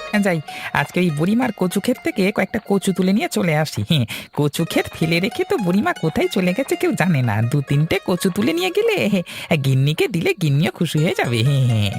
যাই, আজকে ওই বুড়িমার কচু ক্ষেত থেকে কয়েকটা কচু তুলে নিয়ে চলে আসি। হ্যাঁ, কচু ক্ষেত ফেলে রেখে তো বুড়িমা কোথায় চলে গেছে কেউ জানে না। দু তিনটে কচু তুলে নিয়ে গেলে গিন্নিকে দিলে গিন্নিও খুশি হয়ে যাবে। হ্যাঁ হ্যাঁ।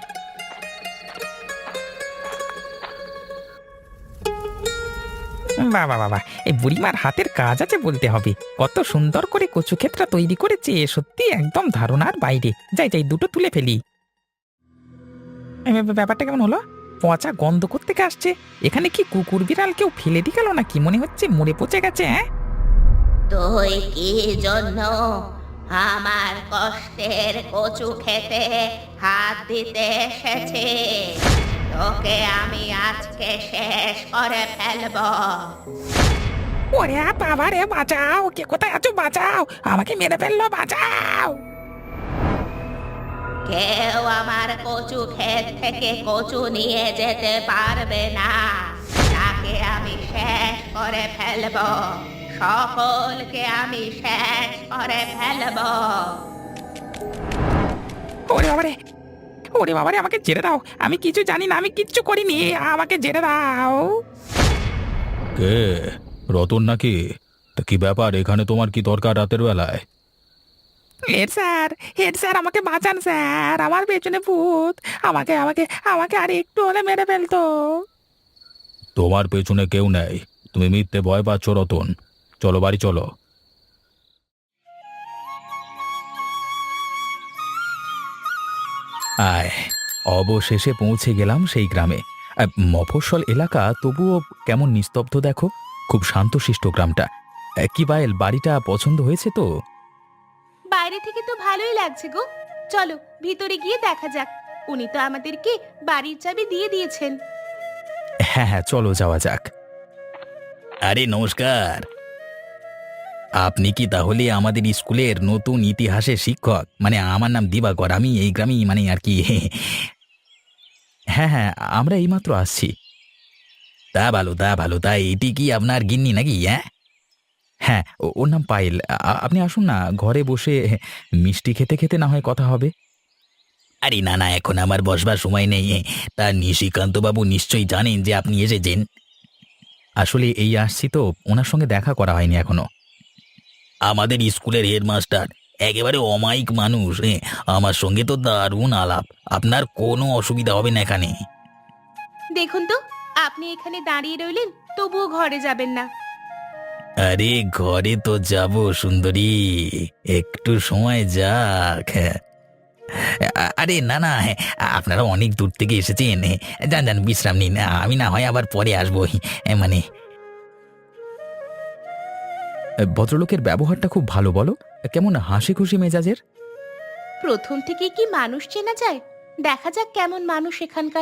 বাবা বাবা, এই বুড়িমার হাতের কাজ আছে বলতে হবে। কত সুন্দর করে কচু ক্ষেতটা তৈরি করেছে, সত্যি একদম ধারণার বাইরে। যাই যাই, দুটো তুলে ফেলি। ব্যাপারটা কেমন হলো? পচা গন্ধ কোত্থেকে আসছে? এখানে কি কুকুর বিড়াল কেউ ফেলে দিয়ে গেল নাকি? মনে হচ্ছে মরে পচে গেছে। হ্যাঁ, তুই কি জন্য আমার কষ্টের কচু খেতে হাত দিতে এসেছিস? তোকে আমি আজকে শেষ করে ফেলবো। ওরে বাবা রে, বাঁচাও! কে কোথায় আছো? বাঁচাও! আমাকে মেরে ফেললো, বাঁচাও! কেউ আমার কচু ক্ষেত থেকে কচু নিয়ে যেতে পারবে না। তাকে আমি শেষ করে ফেলবো। সকলকে আমি শেষ করে ফেলবো। ওরে বাবারে, ওরে বাবারে, আমাকে ছেড়ে দাও। আমি কিছু জানি না, আমি কিচ্ছু করিনি। আমাকে ছেড়ে দাও। কে? রতন নাকি? তা কি ব্যাপার, এখানে তোমার কি দরকার রাতের বেলায়? হেড স্যার, হেড স্যার, আমাকে বাঁচান স্যার। আমার পেছনে ভূত। আমাকে আমাকে আমাকে আর একটু হলে মেরে ফেলতো। তোমার পেছনে কেউ নেই, তুমি মিথ্যে ভয় পাচ্ছ রতন। চলো বাড়ি চলো। আয়, অবশেষে পৌঁছে গেলাম সেই গ্রামে। মফস্বল এলাকা, তবুও কেমন নিস্তব্ধ দেখো। খুব শান্তশিষ্ট গ্রামটা। কি পায়েল, বাড়িটা পছন্দ হয়েছে তো? বাইরে থেকে তো ভালোই লাগছে গো। চলো ভিতরে গিয়ে দেখা যাক। উনি তো আমাদেরকে বাড়ির চাবি দিয়ে দিয়েছেন। হ্যাঁ হ্যাঁ, চলো যাওয়া যাক। আরে নমস্কার, আপনি কি তাহলে আমাদের স্কুলের নতুন ইতিহাসের শিক্ষক? মানে আমার নাম দিবাকর, আমি এই গ্রামেই মানে আর কি। হ্যাঁ হ্যাঁ, আমরা এইমাত্র আসছি। তা ভালো তা ভালো, তা এটি কি আপনার গিন্নি নাকি? হ্যাঁ হ্যাঁ, ওর নাম পায়েল। আপনি আসুন না, ঘরে বসে মিষ্টি খেতে খেতে না হয় কথা হবে। আরে না না, এখন আমার বসবার সময় নেই। তা নিশিকান্ত বাবু নিশ্চয়ই জানেন যে আপনি এসেছেন। আসলে এই আসছি তো, ওনার সঙ্গে দেখা করা হয়নি এখনো। আমাদের স্কুলের হেডমাস্টার একেবারে অমায়িক মানুষ। আমার সঙ্গে তো দারুণ আলাপ। আপনার কোনো অসুবিধা হবে না এখানে। দেখুন তো, আপনি এখানে দাঁড়িয়ে রইলেন, তবুও ঘরে যাবেন না। আরে ঘরে তো যাব সুন্দরী, একটু সময় যাক। আরে না না, আপনারা অনেক দূর থেকে এসেছেন। যান যান, বিশ্রাম নিন। আমি না হয় আবার পরে আসবো। মানে ভদ্রলোকের ব্যবহারটা খুব ভালো, বলো। কেমন হাসি খুশি মেজাজের। প্রথম থেকে কি মানুষ চেনা যায়? দেখা যাক কেমন মানুষ এখানকার।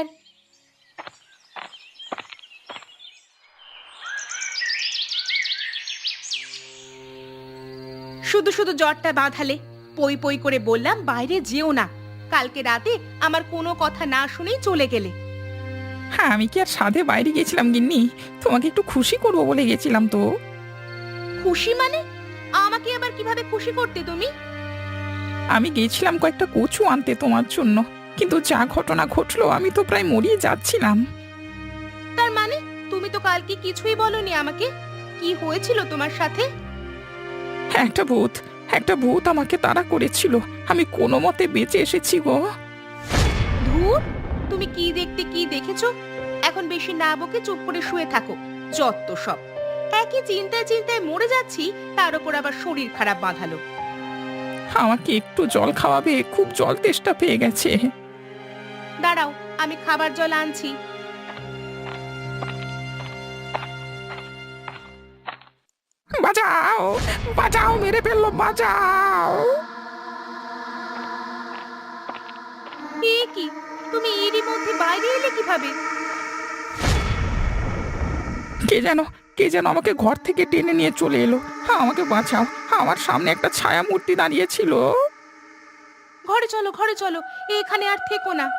শুধু শুধু জ্বরটা বাঁধালে। পই পই করে বললাম বাইরে যেও না। কালকে রাতে আমার কোনো কথা না শুনেই চলে গেলে। হ্যাঁ, আমি কি আর সাধে বাইরে গেছিলাম গিন্নি? তোমাকে একটু খুশি করবো বলে গেছিলাম তো। খুশি মানে? আমাকে আবার কিভাবে খুশি করতে তুমি? আমি গেছিলাম কয়েকটা কচু আনতে তোমার জন্য, কিন্তু যা ঘটনা ঘটলো, আমি তো প্রায় মরিয়ে যাচ্ছিলাম। তার মানে তুমি তো কালকে কিছুই বলনি আমাকে। কি হয়েছিল তোমার সাথে? হ্যাঁ, একটা ভূত আমাকে তাড়া করেছিল। আমি কোনো মতে বেঁচে এসেছি গো। ধুর, তুমি কি দেখতে কি দেখেছো? এখন বেশি না বকে চুপ করে শুয়ে থাকো। যত সব। একই চিন্তায় চিন্তায় মরে যাচ্ছি, তার উপর আবার শরীর খারাপ বাঁধালো। আমাকে একটু জল খাওয়াবে? খুব জল তেষ্টা পেয়ে গেছে। দাঁড়াও, আমি খাবার জল আনছি। বাঁচাও, বাঁচাও, মেরে ফেললো, বাঁচাও! এ কি, তুমি এরই মধ্যে বাইরে এলে কিভাবে? কে যেন কে যেন আমাকে ঘর থেকে টেনে নিয়ে চলে এলো। আমাকে বাঁচাও! আমার সামনে একটা ছায়া মূর্তি দাঁড়িয়েছিল। ঘরে চলো, ঘরে চলো, এখানে আর থেকো না।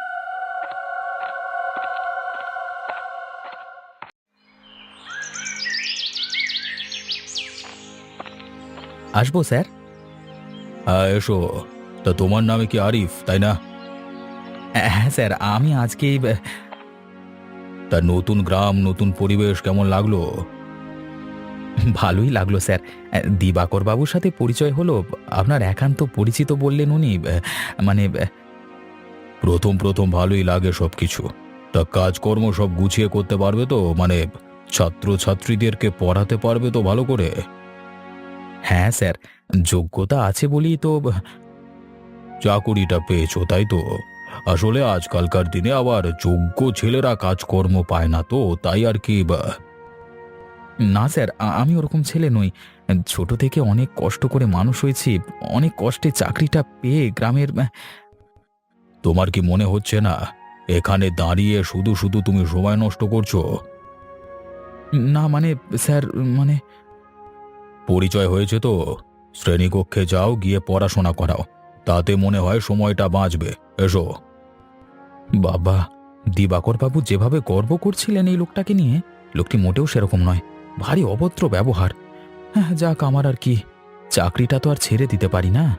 আসবো স্যার? হ্যাঁ এসো। তা তোমার নামে কি আরিফ, তাই না? হ্যাঁ স্যার, আমি আজকেই তা নতুন গ্রাম নতুন পরিবেশ কেমন লাগলো? ভালোই লাগলো স্যার। দিবাকর বাবুর সাথে পরিচয় হলো। আপনার একান্ত পরিচিত বললেন উনি। মানে প্রথম প্রথম ভালোই লাগে সবকিছু। তা কাজকর্ম সব গুছিয়ে করতে পারবে তো? মানে ছাত্র ছাত্রীদেরকে পড়াতে পারবে তো ভালো করে? হ্যাঁ স্যার, যোগ্যতা আছে বলেই তো। চাকুরিটা পেয়েছো তাই তো? আসলে আজকালকার দিনে আবার যোগ্য ছেলেরা কাজকর্ম পায় না তো, তাই আর কি। না স্যার, আমি ওরকম ছেলে নই। ছোট থেকে অনেক কষ্ট করে মানুষ হয়েছি। অনেক কষ্টে চাকরিটা পেয়ে গ্রামের। তোমার কি মনে হচ্ছে না এখানে দাঁড়িয়ে শুধু শুধু তুমি সময় নষ্ট করছো? না মানে স্যার, মানে পরিচয় হয়েছে তো, শ্রেণীকক্ষে যাও, গিয়ে পড়াশোনা করাও, তাতে মনে হয় সময়টা বাঁচবে। এসো। বাবা, দিবাকর বাবু যেভাবে গর্ব করছিলেন এই লোকটাকে নিয়ে, লোকটি মোটেও সেরকম নয়। ভারী অভদ্র ব্যবহার। হ্যাঁ, যাক, আমার আর কি, চাকরিটা তো আর ছেড়ে দিতে পারি না।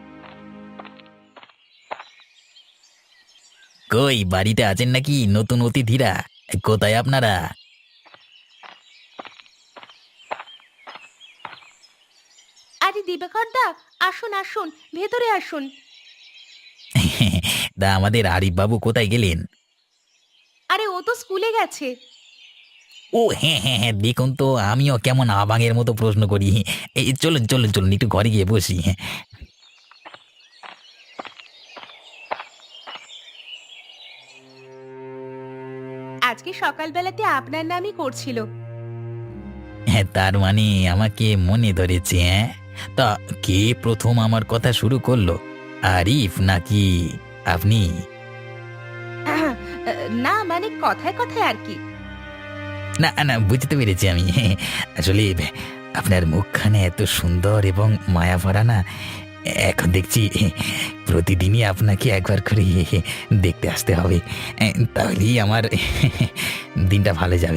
কই বাড়িতে আছেন নাকি নতুন অতিথিরা? কোথায় আপনারা? আরে দিবাকর দা, আসুন আসুন, ভেতরে আসুন। তা আমাদের আরিফ বাবু কোথায় গেলেন? আরে ও তো স্কুলে গেছে। ও হ্যাঁ হ্যাঁ হ্যাঁ, দেখুন তো আমিও কেমন আবাঙের মতো প্রশ্ন করি। এই চলুন চলুন চলুন, একটু ঘরে গিয়ে বসি। আজকে সকালবেলাতে আপনার নামই করছিল। হ্যাঁ, তার মানে আমাকে মনে ধরেছে? হ্যাঁ, তা কে প্রথম আমার কথা শুরু করলো, আরিফ নাকি আপনি? না মানে কথায় কথায় আর কি। না না, বুঝতে পেরেছি আমি। আসলে আপনার মুখখানে এত সুন্দর এবং মায়া ভরা না, এখন দেখছি প্রতিদিনই আপনাকে একবার করে দেখতে আসতে হবে। তাহলেই আমার দিনটা ভালো যাবে।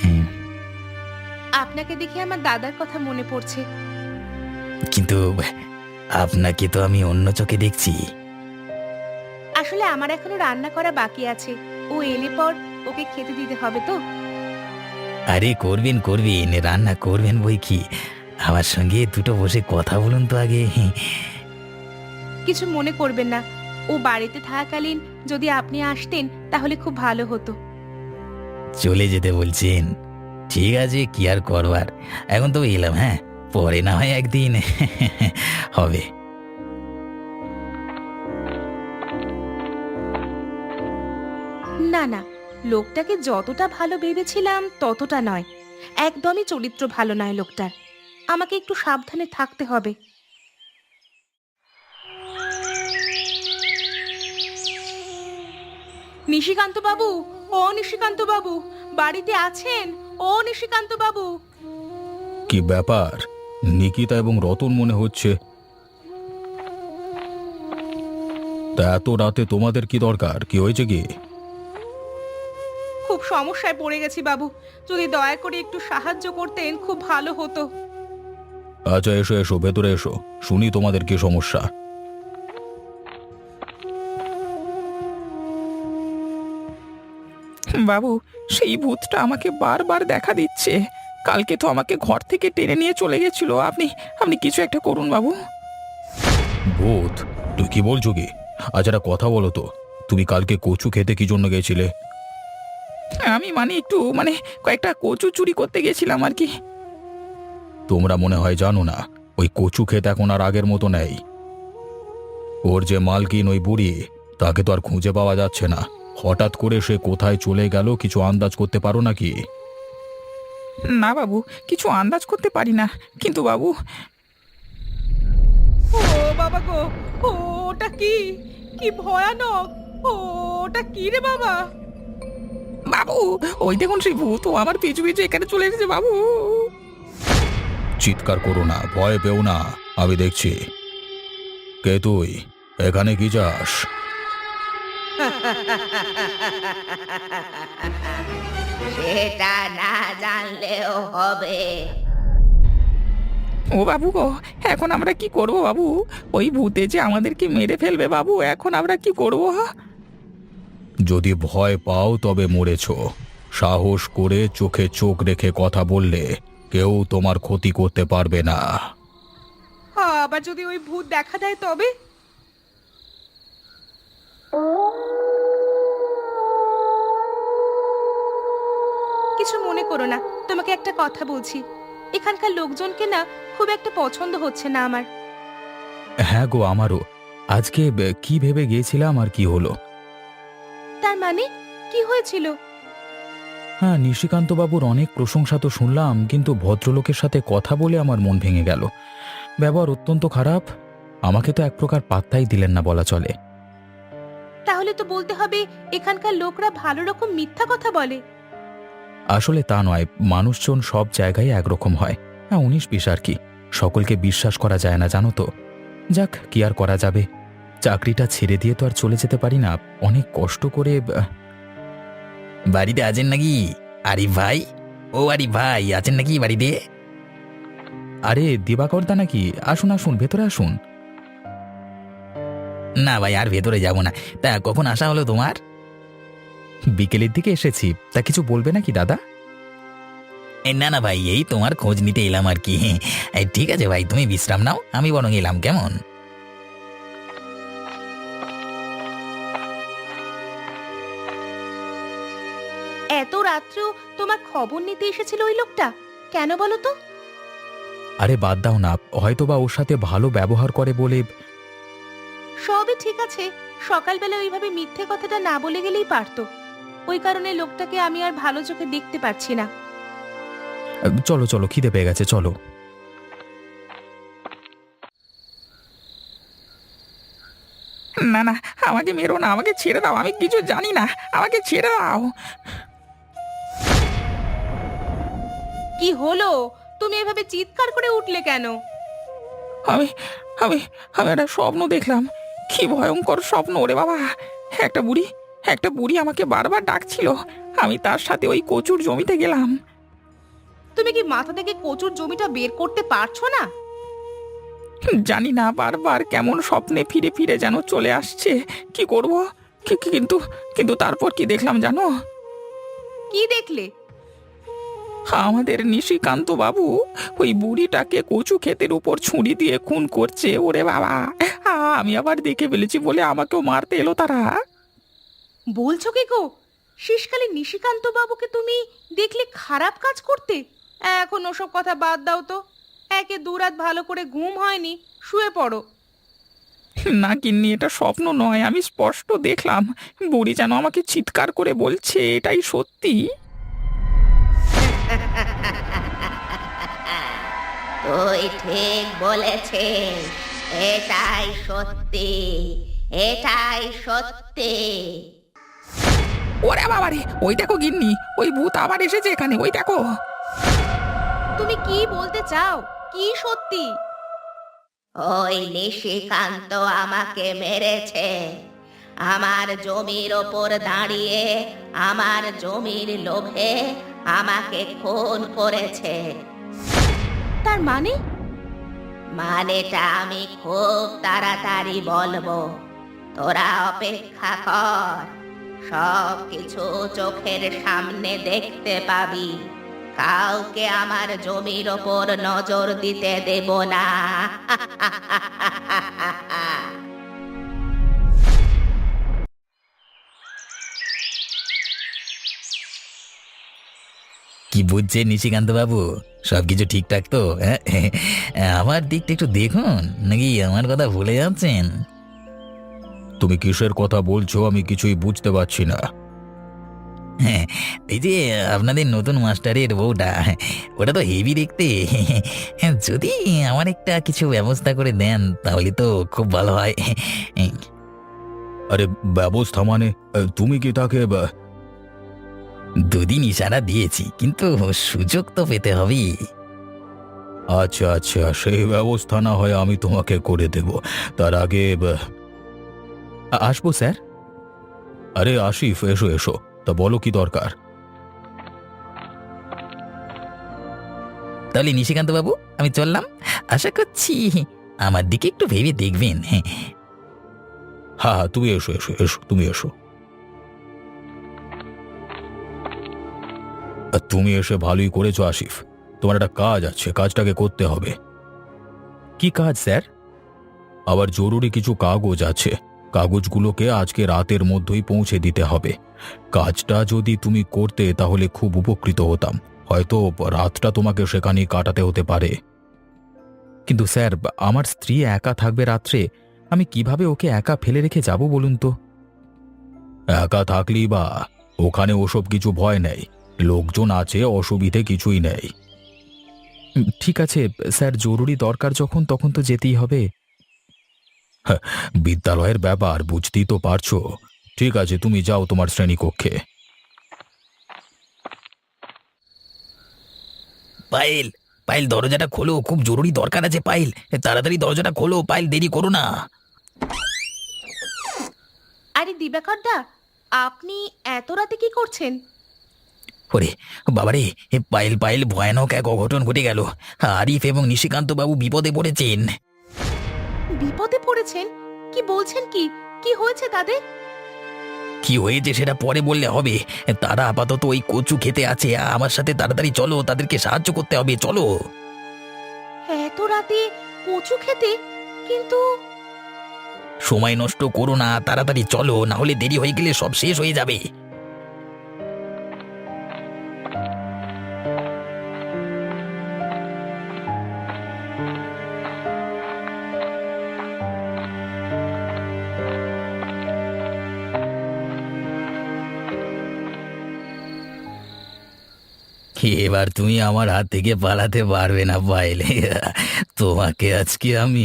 আপনাকে দেখে আমার দাদার কথা মনে পড়ছে। কিন্তু আপনাকে তো আমি অন্য চোখে দেখছি। আসলে আমার এখনো রান্না করা বাকি আছে। ও এলে পর ওকে খেতে দিতে হবে তো। আরে করবেন করবেন, রান্না করবেন বই কি। আমার সঙ্গে দুটো বসে কথা বলুন তো আগে। কিছু মনে করবেন না, ও বাড়িতে থাকাকালীন যদি আপনি আসতেন তাহলে খুব ভালো হতো। চলে যেতে বলছেন? ঠিক আছে, কি আর করবার, এখন তো এলাম। হ্যাঁ, পরে না হয় একদিন হবে। না না, লোকটাকে যতটা ভালো ভেবেছিলাম ততটা নয়। একদমই চরিত্র ভালো নয় লোকটার। আমাকে একটু সাবধানে থাকতে হবে। নিশিকান্ত বাবু, ও নিশিকান্ত বাবু, বাড়িতে আছেন? ও নিশিকান্ত বাবু। কি ব্যাপার, নিকিতা এবং রতন মনে হচ্ছে। তা এত রাতে তোমাদের কি দরকার? কি হয়েছে কি? খুব সমস্যায় পড়ে গেছি বাবু, যদি দয়া করে একটু সাহায্য করতেন খুব ভালো হতো। আচ্ছা, এসো এসো, ভেতরে এসো, শুনি তোমাদের কি সমস্যা। বাবু, সেই ভূতটা আমাকে বারবার দেখা দিচ্ছে। কালকে তো আমাকে ঘর থেকে টেনে নিয়ে চলে গেছিল। আপনি আপনি কিছু একটা করুন বাবু। ভূত? তুই কি বলছো কি? আচ্ছা, একটা কথা বলো তো, তুমি কালকে কচু খেতে কি জন্য গেছিলে? আমি মানে একটু কয়েকটা কচু চুরি করতে গেছিলাম আর কি। তোমরা মনে হয় জানো না, ওই কচু ক্ষেত এখন আর আগের মতো নেই। ওর যে মালকিন ওই বুড়ি, তাকে তো আর খুঁজে পাওয়া যাচ্ছে না। হঠাৎ করে সে কোথায় চলে গেল কিছু আন্দাজ করতে পারো নাকি? না বাবু, কিছু আন্দাজ করতে পারি না, কিন্তু বাবু। ও বাবা গো, ওটা কি? কি ভয়ানক! ওটা কি রে বাবা? বাবু, ওই দেখুন সেই ভূত, ও আমার পিছু পিছু এখানে চলে এসেছে বাবু। চিৎকার করো না, ভয় পেও না, আমি দেখছি। কে তুই? এখানে কি যাস? সেটা না জানলেও হবে। ও বাবু গো, এখন আমরা কি করব বাবু? ওই ভূতে যে আমাদেরকে মেরে ফেলবে বাবু, এখন আমরা কি করব? যদি ভয় পাও তবে মরেছ, সাহস করে চোখে চোখ রেখে কথা বললে কেউ তোমার ক্ষতি করতে পারবে না। আবার যদি ওই ভূত দেখা দেয় তবে? কিছু মনে করো না, তোমাকে একটা কথা বলছি। এখানকার লোকজনকে না খুব একটা পছন্দ হচ্ছে না আমার। হ্যাঁ গো, আমারও। আজকে কি ভেবে গিয়েছিলাম আর কি হলো। তার মানে কি হয়েছিল? হ্যাঁ, নিশিকান্তবাবুর অনেক প্রশংসা তো শুনলাম, কিন্তু ভদ্রলোকের সাথে কথা বলে আমার মন ভেঙে গেল। ব্যবহার অত্যন্ত খারাপ। আমাকে তো এক প্রকার পাত্তাই দিলেন না বলা চলে। তাহলে তো বলতে হবে এখানকার লোকরা ভালো রকম মিথ্যা কথা বলে। আসলে তা নয়, মানুষজন সব জায়গায় একরকম হয়। হ্যাঁ, 19-20 আর কি। সকলকে বিশ্বাস করা যায় না, জানো তো। যাক, কি আর করা যাবে। চাকরিটা ছেড়ে দিয়ে তো আর চলে যেতে পারি না। অনেক কষ্ট করে। বাড়িতে আছেন নাকি আরিফ ভাই? ও আরিফ ভাই, আছেন নাকি বাড়িতে? আরে দিবাকরদা নাকি? আসুন আসুন, ভেতরে আসুন। না ভাই, আর ভেতরে যাব না। তা কখন আসা হলো তোমার? বিকেলের দিকে এসেছি। তা কিছু বলবে নাকি দাদা? না না ভাই, এই তোমার খোঁজ নিতে এলাম আর কি। ঠিক আছে ভাই, তুমি বিশ্রাম নাও, আমি বরং এলাম, কেমন? এত রাত্রেও তোমার খবর নিতে এসেছিল ওই লোকটা, কেন বলো তো? আরে বাদ দাও না, হয়তোবা ওর সাথে ভালো ব্যবহার করে বলে। সবই ঠিক আছে, সকালবেলা ওইভাবে মিথ্যে কথাটা না বলে গেলেই পারতো। ওই কারণে লোকটাকে আমি আর ভালো চোখে দেখতে পারছি না। চলো চলো, খিদে পেয়ে গেছে, চলো। না না, আমাকে মেরো না, আমাকে ছেড়ে দাও, আমি কিছু জানি না, আমাকে ছেড়ে দাও। কি হলো? তুমি এভাবে চিৎকার করে উঠলে কেন? আমি আমি আমি একটা স্বপ্ন দেখলাম। কি ভয়ঙ্কর স্বপ্ন ওরে বাবা! একটা বুড়ি আমাকে বারবার ডাকছিল। আমি তার সাথে ওই কচুর জমিতে গেলাম। তুমি কি মাথা থেকে কচুর জমিটা বের করতে পারছো না? জানি না, বারবার কেমন স্বপ্নে ফিরে ফিরে যেন চলে আসছে। কি করব? কিন্তু কিন্তু তারপর কি দেখলাম জানো? কি দেখলে? আমাদের নিশিকান্ত বাবু ওই বুড়িটাকে কচু ক্ষেতের উপর ছুরি দিয়ে খুন করছে ওরে বাবা! আমি আবার দেখে ফেলেছি বলে আমাকেও মারতে এলো তারা। বলছো কি গো? শেষকালে নিশিকান্ত বাবুকে তুমি দেখলে খারাপ কাজ করতে? এখন ওসব কথা বাদ দাও তো। একে দুরাত ভালো করে ঘুম হয়নি, শুয়ে পড়ো। না গিন্নি, এটা স্বপ্ন নয়, আমি স্পষ্ট দেখলাম। বুড়ি যেন আমাকে চিৎকার করে বলছে, এটাই সত্যি। তুই ঠিক বলেছিস, এটাই সত্যি, এটাই সত্যি। ওরে বাবা রে, ওই দেখো গিন্নি, ওই ভূত আবার এসেছে এখানে, ওই দেখো। তুমি কি বলতে চাও? কি সত্যি? ওই নিশিকান্ত আমাকে মেরেছে। আমার জমির ওপর দাঁড়িয়ে আমার জমির লোভে আমাকে খুন করেছে। তার মানে? মানেটা আমি খুব তাড়াতাড়ি বলবো, তোরা অপেক্ষা কর। সব কিছু চোখের সামনে দেখতে পাবি। কাউকে আমার জমির ওপর নজর দিতে দেব না। কি বুঝছে নিশিকান্ত বাবু? সবকিছু ঠিকঠাক তো? হ্যাঁ, আমার দিকটা একটু দেখুন, নাকি আমার কথা ভুলে যাচ্ছেন? তুমি কিসের কথা বলছো আমি কিছুই বুঝতে পারছি না। হ্যাঁ, এই যে আপনাদের নতুন মাস্টারের বউটা, ওটা তো হেভি দেখতে। যদি আমার একটা কিছু ব্যবস্থা করে দেন তাহলে তো খুব ভালো হয়। আরে ব্যবস্থা মানে তুমি কি তাকে? দুদিন ইশারা দিয়েছি, কিন্তু সুযোগ তো পেতে হবে। আচ্ছা আচ্ছা, সেই ব্যবস্থা না হয় আমি তোমাকে করে দেব। তার আগে আসবো স্যার? আরে আশিফ, এসো এসো। তা বলো, কি দরকার? তাহলে নিশিকান্ত বাবু, আমি চললাম। আশা করছি আমার দিকে একটু ভেবে দেখবেন। হ্যাঁ হ্যাঁ, তুমি এসো এসো এসো, তুমি এসো। আর তুমি এসে ভালোই করেছো আসিফ। তোমার একটা কাজ আছে, কাজটাকে করতে হবে। কি কাজ স্যার? আবার জরুরি কিছু কাগজ আছে, কাগজগুলোকে আজকে রাতের মধ্যেই পৌঁছে দিতে হবে। কাজটা যদি তুমি করতে তাহলে খুব উপকৃত হতাম। হয়তো রাতটা তোমাকে সেখানেই কাটাতে হতে পারে। কিন্তু স্যার, আমার স্ত্রী একা থাকবে রাত্রে, আমি কিভাবে ওকে একা ফেলে রেখে যাব বলুন তো? একা থাকলেই বা, ওখানে ওসব কিছু ভয় নেই, লোকজন আছে, অসুবিধে কিছুই নেই। ঠিক আছে স্যার, জরুরি দরকার যখন তখন তো যেতেই হবে। বিদ্যালয়ের ব্যাপার বুঝতেই তো পারছো। ঠিক আছে, তুমি যাও তোমার শ্রেণীকক্ষে। পায়েল, পায়েল দরজাটা খোলো, খুব জরুরি দরকার আছে। পায়েল, তাড়াতাড়ি দরজাটা খোলো। পায়েল, দেরি করো না। আরে দিবাকর দা, আপনি এত রাতে কি করছেন? ওরে বাবারে, পায়েল পায়েল, ভয়ানক এক অঘটন ঘটে গেল। আরিফ এবং নিশিকান্ত বাবু বিপদে পড়েছেন। বিপদে পড়েছেন? কি বলছেন? কি কি হয়েছে তাদের? কি হয়েছে সেটা পরে বললে হবে। তারা আপাতত ওই কচু খেতে আছে। আমার সাথে তাড়াতাড়ি চলো, তাদেরকে সাহায্য করতে হবে, চলো। এত রাতে কচু খেতে? কিন্তু সময় নষ্ট করো না, তাড়াতাড়ি চলো, না হলে দেরি হয়ে গেলে সব শেষ হয়ে যাবে। এবার তুমি আমার হাত থেকে পালাতে পারবে না পায়েল। তোমাকে আজকে আমি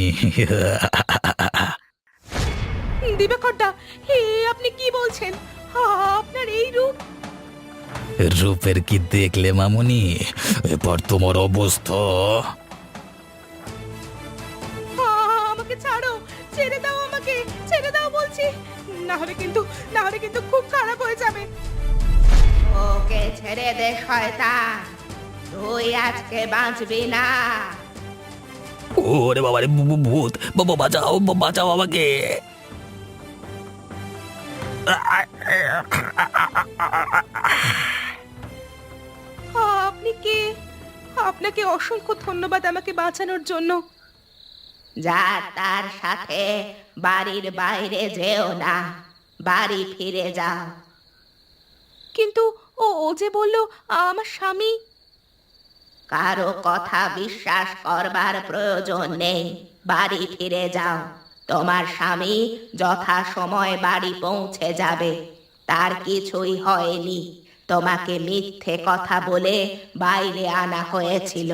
দিবাকর দা, হে আপনি কি বলছেন? আপনার এই রূপ! রূপের কি দেখলে মামুনি? এবার তোমার অবস্থা। আমাকে ছাড়ো, ছেড়ে দাও, আমাকে ছেড়ে দাও বলছি, না হলে কিন্তু খুব খারাপ হয়ে যাবে। ওকে ছেড়ে দে শয়তান, তুই আজকে বাঁচবি না। ওরে বাবা রে, ভূত! বাবা বাঁচাও, বাঁচাও আমাকে। আপনি কে? আপনাকে অসংখ্য ধন্যবাদ আমাকে বাঁচানোর জন্য। যা তার সাথে বাড়ির বাইরে যেও না, বাড়ি ফিরে যাও। কিন্তু ও যে বলল আমার স্বামী। কারো কথা বিশ্বাস করবার প্রয়োজন নেই, বাড়ি ফিরে যাও। তোমার স্বামী যথা সময় বাড়ি পৌঁছে যাবে, তার কিছুই হয়নি। তোমাকে মিথ্যে কথা বলে বাইরে আনা হয়েছিল।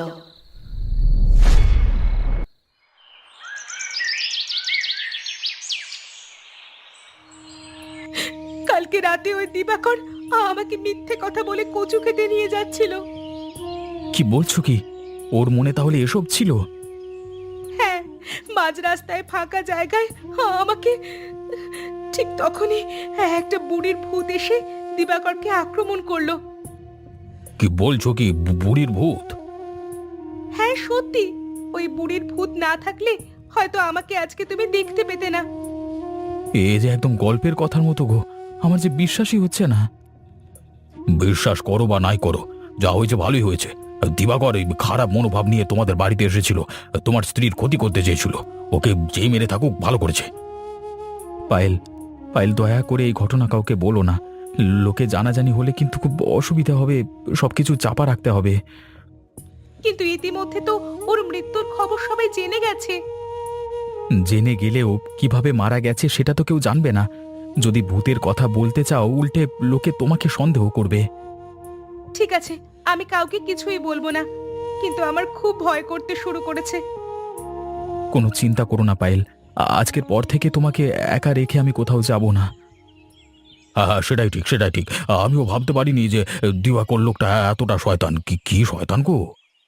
কালকে রাতে ওই দিবাকর আমাকে মিথ্যে কথা বলে কচু খেতে নিয়ে যাচ্ছিল। কি বলছো কি? ওর মনে তাহলে এসব ছিল? হ্যাঁ, মাঝ রাস্তায় ফাঁকা জায়গায় আমাকে, ঠিক তখনই একটা বুড়ির ভূত এসে দিবাকরকে আক্রমণ করলো। কি বলছো কি? বুড়ির ভূত? হ্যাঁ সত্যি, ওই বুড়ির ভূত না থাকলে হয়তো আমাকে আজকে তুমি দেখতে পেতে না। এ যে একদম গল্পের কথার মতো গো, আমার যে বিশ্বাসই হচ্ছে না। বিশ্বাস করো বা নাই করো, যা হয়েছে ভালোই হয়েছে। দিবাকর এই খারাপ মনোভাব নিয়ে তোমাদের বাড়িতে এসেছিল, তোমার স্ত্রীর ক্ষতি করতে চেয়েছিল। ওকে যেই মেরে থাকুক ভালো করেছে। পায়েল, পায়েল, দয়া করে এই ঘটনা কাউকে বলো না। লোকে জানাজানি হলে কিন্তু খুব অসুবিধা হবে, সবকিছু চাপা রাখতে হবে। কিন্তু ইতিমধ্যে তো ওর মৃত্যুর খবর সবাই জেনে গেছে। জেনে গেলেও কিভাবে মারা গেছে সেটা তো কেউ জানবে না। যদি ভূতের কথা বলতে চাও, উল্টে লোকে তোমাকে সন্দেহ করবে। ঠিক আছে, আমি কাউকে কিছুই বলবো না, কিন্তু আমার খুব ভয় করতে শুরু করেছে। কোনো চিন্তা করো না পায়েল, আজকের পর থেকে তোমাকে একা রেখে আমি কোথাও যাব না। হ্যাঁ, সেটাই ঠিক, সেটাই ঠিক। আমিও ভাবতে পারিনি যে দিবাকর লোকটা এতটা শয়তান। কি কি শয়তান গো!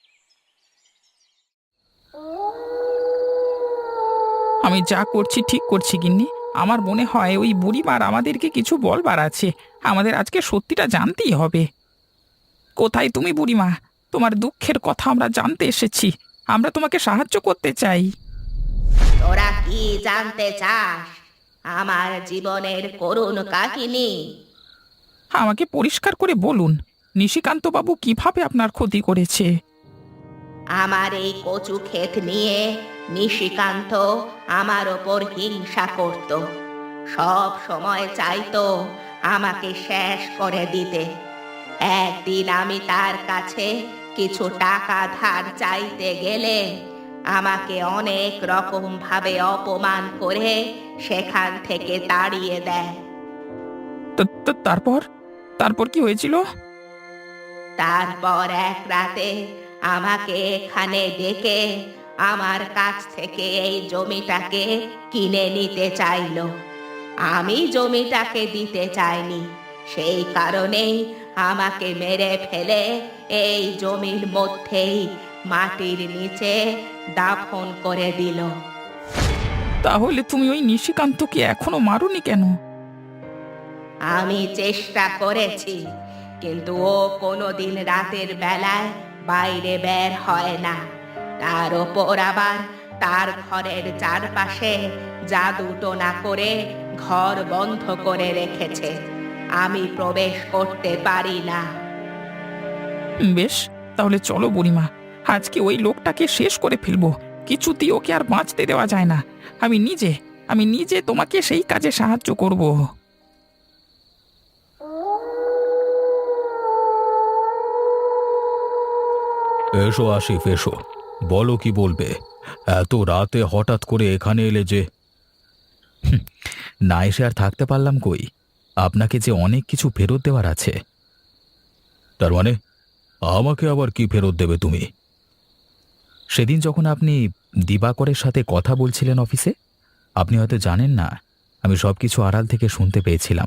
আমি যা করছি ঠিক করছি গিন্নি। আমার মনে হয় ওই বুড়িমার আমাদেরকে কিছু বলবার আছে। আমাদের আজকে সত্যিটা জানতেই হবে। কোথায় তুমি বুড়িমা? তোমার দুঃখের কথা আমরা জানতে এসেছি। আমরা তোমাকে সাহায্য করতে চাই। তোরা কি জানতে চাস? আমার জীবনের করুণ কাহিনী? আমাকে পরিষ্কার করে বলুন, নিশিকান্ত বাবু কিভাবে আপনার ক্ষতি করেছে? আমার এই কচু ক্ষেত নিয়ে নিশিকান্ত আমার ওপর হিংসা করত। সব সময় চাইতো আমাকে শেষ করে দিতে। একদিন আমি তার কাছে কিছু টাকা ধার চাইতে গেলে আমাকে অনেক রকম ভাবে অপমান করে সেখান থেকে তাড়িয়ে দেয়। তারপর তারপর কি হয়েছিল? তারপর এক রাতে আমাকে এখানে ডেকে আমার কাছ থেকে এই জমিটাকে কিনে নিতে চাইলো। আমি জমিটাকে দিতে চাইনি, সেই কারণেই আমাকে মেরে ফেলে এই জমির মধ্যেই মাটির নিচে দাফন করে দিল। তাহলে তুমি ওই নিশিকান্তকে এখনো মারোনি কেন? আমি চেষ্টা করেছি, কিন্তু ও কোনোদিন রাতের বেলায় বাইরে বের হয় না। তার ওপর আবার তার ঘরের চারপাশে জাদু টোনা করে ঘর বন্ধ করে রেখেছে। আমি প্রবেশ করতে পারি না। বেশ, তাহলে চলো বুড়িমা, আজকে ওই লোকটাকে শেষ করে ফেলবো। কিছুতেই ওকে আর বাঁচতে দেওয়া যায় না। আমি নিজে তোমাকে সেই কাজে সাহায্য করব। এসো আসিফ, এসো, বলো কি বলবে? এত রাতে হঠাৎ করে এখানে এলে যে? না এসে আর থাকতে পারলাম কই, আপনাকে যে অনেক কিছু ফেরত দেওয়ার আছে। তার মানে আমাকে আবার কি ফেরত দেবে তুমি? সেদিন যখন আপনি দিবাকরের সাথে কথা বলছিলেন অফিসে, আপনি হয়তো জানেন না, আমি সবকিছু আড়াল থেকে শুনতে পেয়েছিলাম।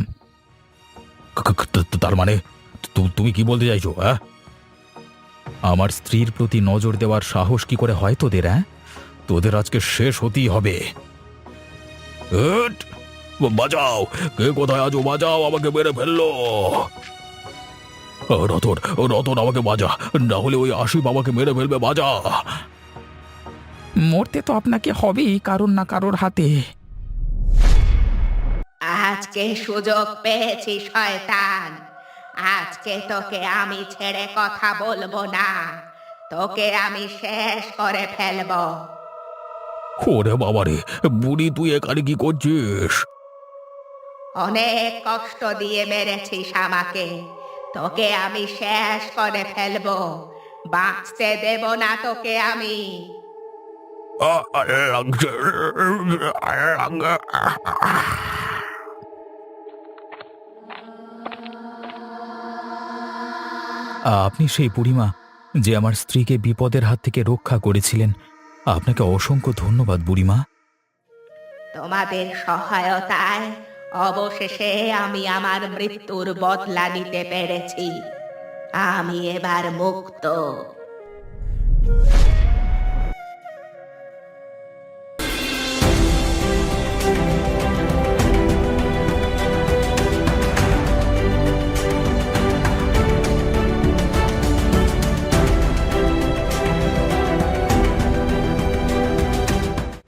তার মানে তুমি কি বলতে চাইছো? হ্যাঁ, আমার স্ত্রীর প্রতি নজর দেওয়ার সাহস কি করে হয় তোদের? হ্যাঁ, তোদের আজকে শেষ হতেই হবে। বাঁচাও, কে কোথায় আছো? বাঁচাও, আমাকে মেরে ফেললো। রতন, রতন, আমাকে বাঁচা, না হলে ওই আসিফ আমাকে মেরে ফেলবে। বাঁচা। মরতে তো আপনাকে হবেই কারোর না কারোর হাতে। আজকে সুযোগ পেয়েছি শয়তান, আজকে তোকে আমি ছেড়ে কথা বলবো না। তোকে আমি শেষ করে ফেলবো। ওরে বাবারে, বুড়ি তুই এখানে কি করছিস? অনেক কষ্ট দিয়ে মেরেছিস আমাকে, তোকে আমি শেষ করে ফেলবো। বাঁচতে দেব না তোকে আমি। আপনি সেই বুড়িমা যে আমার স্ত্রীকে বিপদের হাত থেকে রক্ষা করেছিলেন। আপনাকে অসংখ্য ধন্যবাদ বুড়িমা। তোমাদের সহায়তায় অবশেষে আমি আমার মৃত্যুর বদলা নিতে পেরেছি। আমি এবার মুক্ত।